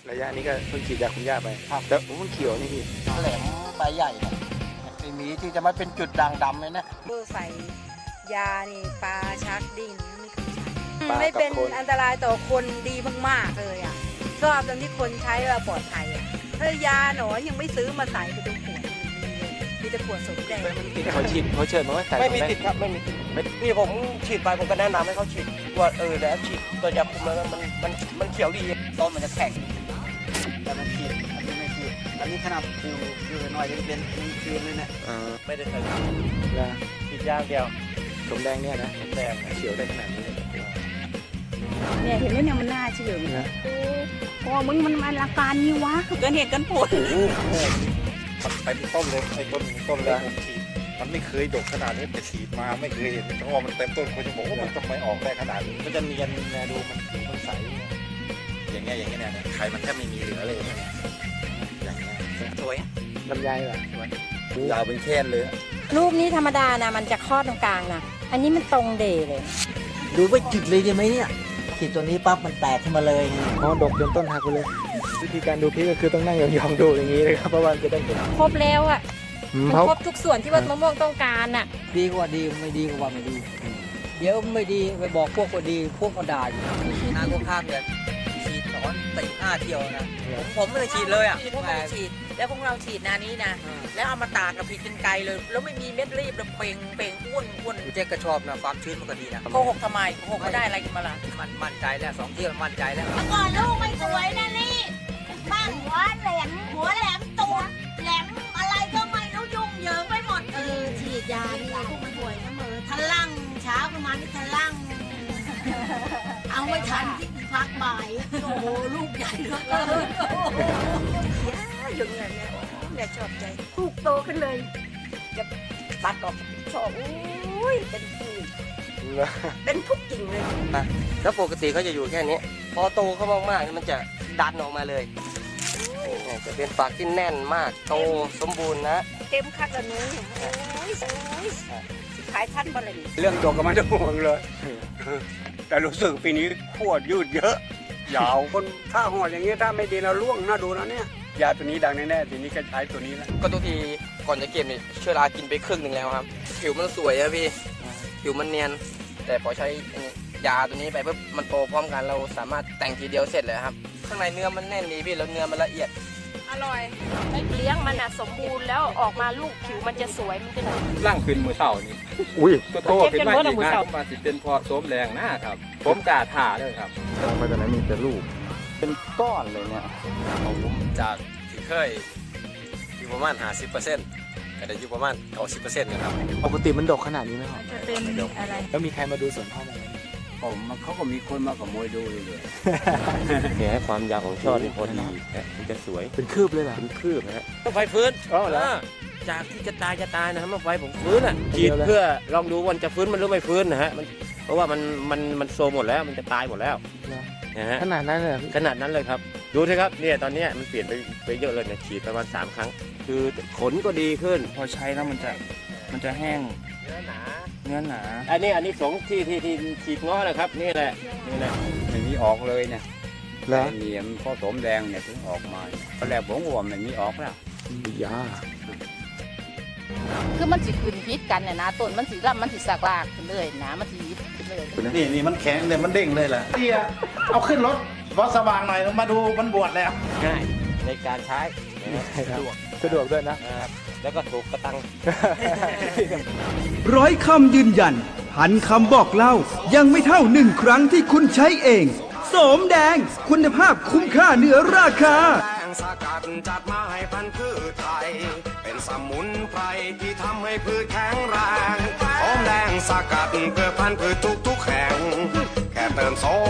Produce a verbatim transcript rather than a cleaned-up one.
ระยะนี้ก็เพิ่งฉีดยาคุมหญ้าไปแต่ผมมันเขียวนี่พี่แหลมใบใหญ่ไอ้หมีที่จะมาเป็นจุดด่างดำเลยนะเพื่อใส่ยานี่ปลาชักดิ้นไม่เคยใช้ไม่เป็นอันตรายต่อคนดีมากๆเลยอ่ะชอบตรงที่คนใช้เราปลอดภัยอ่ะถ้ายาหนอนยังไม่ซื้อมาใส่ไปตรงขวดมีแต่ขวดสมแดงเขาฉีดเขาเชิญมาว่าใส่ไม่มีติดครับไม่มีติดพี่ผมฉีดไปผมก็แนะนำให้เขาฉีดว่าเออแล้วฉีดตัวยาคุมแล้วมันมันมันเขียวดีต้นมันจะแข็งแต่มันฉีดอันนี้ไม่ฉีดอันนี้ขนาดอยู่อยู่หน่อยเป็นเป็นคืนเลยเนี่ยไม่ได้ใส่ยาฉีดยาเดียวสมแดงเนี่ยนะสมแดงเขียวได้ขนาดนี้เนี่ยเห็นแล้วเนี่ยมันน่าเชื่อนะโอ้มึงมันมันอาการนี้วะเกินเหตุกันผลไปเป็นต้นเลยไอ้ต้นต้นเลยผมฉีดมันไม่เคยดกขนาดนี้แต่ฉีดมาไม่เคยเห็นเพราะว่ามันเต็มต้นคนจะบอกว่ามันทำไมออกได้ขนาดนี้มันจะเนียนนะดูมันผิวมันใสอย่างเงี้ยอย่างเงี้ยเนี่ยไข่มันแทบไม่มีเหลือเลยอย่างเงี้ยสวยลำไยเหรอยาวเป็นแค่นเลยรูปนี้ธรรมดานะมันจะคลอดตรงกลางนะอันนี้มันตรงเดเลยดูไม่จุดเลยใช่ไหมเนี่ยฉีดตัวนี้ปั๊บมันแตกขึ้นมาเลยอ๋อดกจนต้นหักไปเลยวิธีการดูพริกก็คือต้องนั่งยองๆดูอย่างนี้เลยครับเพราะว่าจะได้ครบแล้วอ่ะมันครบทุกส่วนที่ว่ามะม่วงต้องการอ่ะดีกว่าดีไม่ดีกว่าไม่ดีเดี๋ยวไม่ดีไปบอกพวกว่าดีพวกก็ด่าอยู่นางก็ข้ามเนี่ยฉีดสอนตีห้าเที่ยวนะผมไม่ได้ฉีดเลยอ่ะพวกเราฉีดแล้วพวกเราฉีดนานี้นะแล้วเอามาตากกับผิดเป็นไกลเลยแล้วไม่มีเม็ดรีบแล้วเป่งเป่งอ้วนอ้วนเจ๊ก็ชอบนะความชื้นมันก็ดีนะโกหกทำไมโกหกก็ได้อะไรกันมาล่ะมันมั่นใจแล้วสองเที่ยวมั่นใจแล้วเมื่อก่อนลูกไม่สวยนะนี่บ้านหัวแหลมหัวแหลมตูดแหลมอะไรก็ไม่รู้ยุ่งเหยิงไปหมดเออฉีดยานี่พวกมันป่วยนะเมื่อทะลั่งเช้าประมาณนี้ทะลั่งเอาไว้ทันที่พักบ่ายโอ้โหลูกใหญ่เหลือเกินอย่างเงี้ยเนี่ยแม่ชอบใจลูกโตขึ้นเลยจะตัดออกชอบอุ้ยเป็นผู้เป็นทุกจริงเลยแล้วปกติเขาจะอยู่แค่นี้พอโตเขามากๆมันจะดันออกมาเลยจะเป็นฝักที่แน่นมากโตสมบูรณ์นะเต็มคักแล้วนู้โอ้ยขายท่านบริเรื่องดกก็ไม่ต้องห่วงเลยแต่รู้สึกปีนี้ขวดยืดเยอะยาวคนถ้าหอดอย่างเงี้ยถ้าไม่ดีเราล่วงน่าดูนะเนี่ยยาตัวนี้ดังแน่ๆทีนี้ก็ใช้ตัวนี้แล้วก็ทุกทีก่อนจะเก็บเนี่ยเชื้อรากินไปครึ่งหนึ่งแล้วครับผิวมันสวยอะพี่ผิวมันเนียนแต่พอใช้ยาตัวนี้ไปปุ๊บมันโตพร้อมกันเราสามารถแต่งทีเดียวเสร็จเลยครับข้างในเนื้อมันแน่นดีพี่แล้วเนื้อมันละเอียดอร่อยเลี้ยงมันอะสมบูรณ์แล้วออกมาลูกผิวมันจะสวยมันจะร่างขึ้นมือเต่านี่อุ้ยโตขึ้นมาอีกนะผมมาสิเป็นพอโสมแรงนะครับผมกล้าถ่าเลยครับไปตอนนั้นมีแต่ลูกเป็นก้อนเลยเนี่ยผมจากที่เคยอยู่ประมาณห้าสิบเปอร์เซ็นต์ก็ได้อยู่ประมาณเก้าสิบเปอร์เซ็นต์นะครับปกติมันดกขนาดนี้ไหมครับจะเป็นอะไรแล้วมีใครมาดูสวนพ่อไหมผมเขาก็มีคนมาขโมยดูเลยเนี่ยความยาวของช่อที่พอดีมันจะสวยเป็นคืบเลยเหรอเป็นคืบนะฮะไฟฟื้นอ๋อแล้วจากที่จะตายจะตายนะครับมาไฟผมฟื้นอ่ะฉีดเพื่อลองดูวันจะฟื้นมันหรือไม่ฟื้นนะฮะมันเพราะว่ามันมันมันโซหมดแล้วมันจะตายหมดแล้วนะฮะขนาดนั้นเลยขนาดนั้นเลยครับดูสิครับเนี่ยตอนนี้มันเปลี่ยนไปไปเยอะเลยเนี่ยฉีดประมาณสามครั้งคือขนก็ดีขึ้นพอใช้แล้วมันจะมันจะแห้งเนื้อหนาเนื้อหนาอันนี้อันนี้สองที่ที่ที่ฉีดง้อนะครับนี่แหละนี่แหละไม่มีออกเลยเนี่ยแล้วเหนียมผสมแดงเนี่ยถึงออกมาตอนแรกผมว่ามันมีออกแล้วยาคือมันสิขึ้นพิษกันเนี่ยนะต้นมันสิรับมันสิสักลากขึ้นเลยนะมันสิยิบขึ้นเลยนี่นี่มันแข็งเลยมันเด้งเลยแหละเตี้ยเอาขึ้นรถรถสว่างหน่อยมาดูมันบวชแล้วง่ายในการใช้สะดวกสะดวกด้วยนะแล้วก็ถูกกระตังร้อยคำยืนยันพันคำบอกเล่ายังไม่เท่าหนึ่งครั้งที่คุณใช้เองโสมแดงคุณภาพคุ้มค่าเหนือราคาสกัดจัดมาให้พันธุ์พืชไทยเป็นสมุนไพรที่ทำให้พืชแข็งแรงโสมแดงสกัดเพื่อพันธุ์พืชทุกทุกแห่งแค่เติมโส